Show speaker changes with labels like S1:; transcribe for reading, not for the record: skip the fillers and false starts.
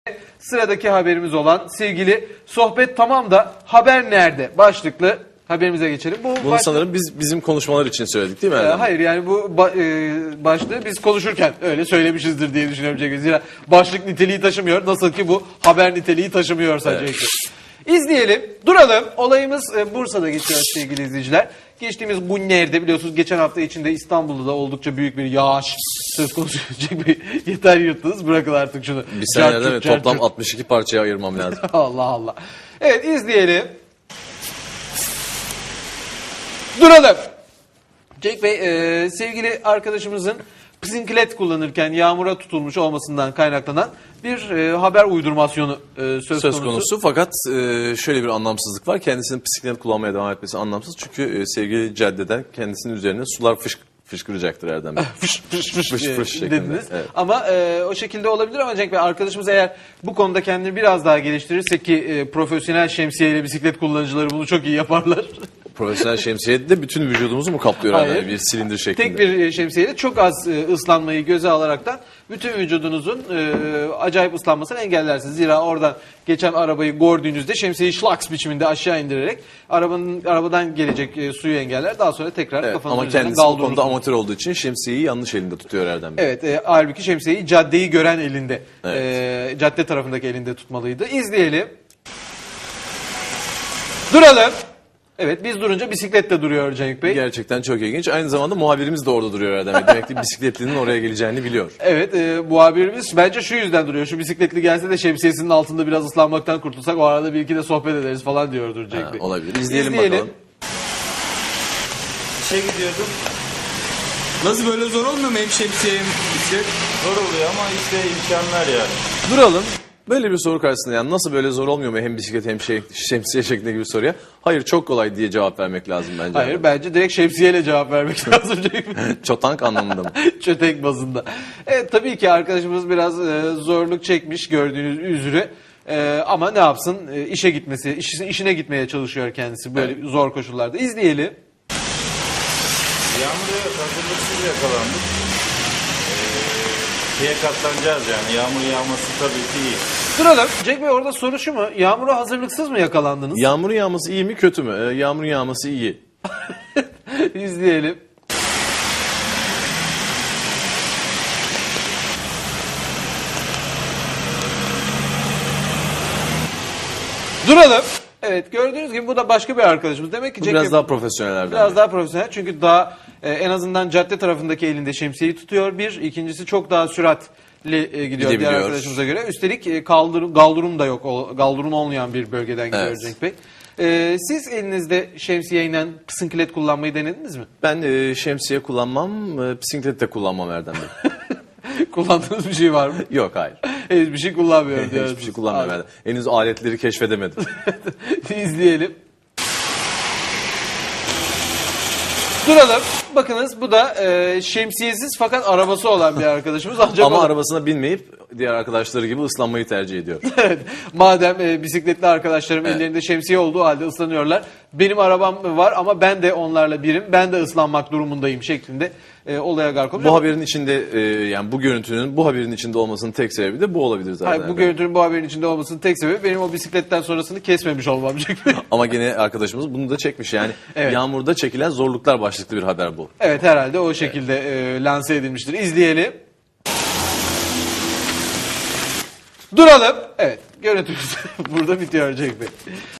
S1: Sıradaki haberimiz olan sevgili sohbet tamam da haber nerede başlıklı haberimize geçelim.
S2: Bunu sanırım bizim konuşmalar için söyledik değil mi Erdem?
S1: Hayır yani bu başlığı biz konuşurken öyle söylemişizdir diye düşünüyorum Cenk Bey. Zira başlık niteliği taşımıyor. Nasıl ki bu haber niteliği taşımıyor sadece. Evet. İzleyelim, duralım. Olayımız Bursa'da geçiyor sevgili izleyiciler. Geçtiğimiz bu nerede biliyorsunuz geçen hafta içinde İstanbul'da da oldukça büyük bir yağış söz konusu. Cenk Bey yeter yırttınız, bırakın artık şunu.
S2: Bir senede toplam 62 parçaya ayırmam lazım.
S1: Allah Allah. Evet, izleyelim. Duralım. Cenk Bey, sevgili arkadaşımızın bisiklet kullanırken yağmura tutulmuş olmasından kaynaklanan bir haber uydurmasyonu söz konusu.
S2: Fakat şöyle bir anlamsızlık var. Kendisinin bisiklet kullanmaya devam etmesi anlamsız. Çünkü sevgili caddeden kendisinin üzerine sular fışkıracaktır Erdem Bey.
S1: Fış dediniz. Evet. Ama o şekilde olabilir ama Cenk Bey arkadaşımız eğer bu konuda kendini biraz daha geliştirirse ki profesyonel şemsiyeyle bisiklet kullanıcıları bunu çok iyi yaparlar.
S2: Profesyonel şemsiye de bütün vücudumuzu mu kaplıyor?
S1: Hayır.
S2: Bir silindir şeklinde.
S1: Tek bir şemsiyeyle çok az ıslanmayı göze alaraktan bütün vücudunuzun acayip ıslanmasını engellersiniz. Zira oradan geçen arabayı gördüğünüzde şemsiyeyi şlaks biçiminde aşağı indirerek arabadan gelecek suyu engeller. Daha sonra tekrar kafanızın üzerine
S2: kendisi bu konuda amatör olduğu için şemsiyeyi yanlış elinde tutuyor Erdem Bey.
S1: Evet, halbuki şemsiyeyi caddeyi gören elinde,
S2: evet.
S1: Cadde tarafındaki elinde tutmalıydı. İzleyelim. Duralım. Evet, biz durunca bisiklet de duruyor Cenk Bey.
S2: Gerçekten çok ilginç. Aynı zamanda muhabirimiz de orada duruyor Erdem Bey. Demek ki bisikletlinin oraya geleceğini biliyor.
S1: Evet, muhabirimiz bence şu yüzden duruyor. Şu bisikletli gelse de şemsiyesinin altında biraz ıslanmaktan kurtulsak o arada bir iki de sohbet ederiz falan diyordur Cenk Bey.
S2: Olabilir. İzleyelim bakalım.
S3: İşe gidiyordum. Nasıl böyle zor olmuyor mu hem şemsiye hem bisiklet? Zor oluyor ama işte imkanlar yani.
S2: Duralım. Böyle bir soru karşısında yani nasıl böyle zor olmuyor mu hem bisiklet hem şemsiye şeklinde bir soruya? Hayır çok kolay diye cevap vermek lazım bence.
S1: Hayır bence direkt şemsiyeyle cevap vermek lazım.
S2: Çotank anlamında mı?
S1: Çötek bazında. Evet tabii ki arkadaşımız biraz zorluk çekmiş gördüğünüz üzere. Ama ne yapsın işe gitmesi, işine gitmeye çalışıyor kendisi böyle zor koşullarda. İzleyelim.
S3: Yağmura hazırlıksız yakalandık. Şeye katlanacağız yani yağmur yağması tabii ki iyi.
S1: Duralım. Cenk Bey orada soru şu mu? Yağmura hazırlıksız mı yakalandınız?
S2: Yağmurun yağması iyi mi kötü mü? Yağmurun yağması iyi.
S1: İzleyelim. Duralım. Evet gördüğünüz gibi bu da başka bir arkadaşımız. Demek ki
S2: biraz daha profesyonellerden.
S1: Biraz daha profesyonel çünkü daha en azından cadde tarafındaki elinde şemsiyeyi tutuyor. İkincisi çok daha süratli gidiyor diğer arkadaşımıza göre. Üstelik galdurum da yok. Galdurum olmayan bir bölgeden gidiyor evet. Cenk Bey. Siz elinizde şemsiyeyle bisiklet kullanmayı denediniz mi?
S2: Ben şemsiye kullanmam, bisiklet de kullanmam Erdem Bey.
S1: Kullandığınız bir şey var mı?
S2: Yok hayır.
S1: Hiçbir şey kullanmıyorum diyorsunuz.
S2: Hiçbir şey kullanmıyorum. Henüz aletleri keşfedemedim.
S1: İzleyelim. Duralım. Bakınız bu da şemsiyesiz fakat arabası olan bir arkadaşımız. Ancak
S2: ama arabasına binmeyip diğer arkadaşları gibi ıslanmayı tercih ediyor.
S1: Evet. Madem bisikletli arkadaşlarım ellerinde şemsiye olduğu halde ıslanıyorlar. Benim arabam var ama ben de onlarla birim. Ben de ıslanmak durumundayım şeklinde olaya gark olmuş.
S2: Bu haberin içinde yani bu görüntünün bu haberin içinde olmasının tek sebebi de bu olabilir zaten.
S1: Hayır, bu görüntünün bu haberin içinde olmasının tek sebebi benim o bisikletten sonrasını kesmemiş olmam.
S2: Ama gene arkadaşımız bunu da çekmiş yani evet. Yağmurda çekilen zorluklar başlıklı bir haber bu.
S1: Evet herhalde o şekilde lanse edilmiştir. İzleyelim. Duralım. Evet görüntümüz burada bitiyor Cenk Bey.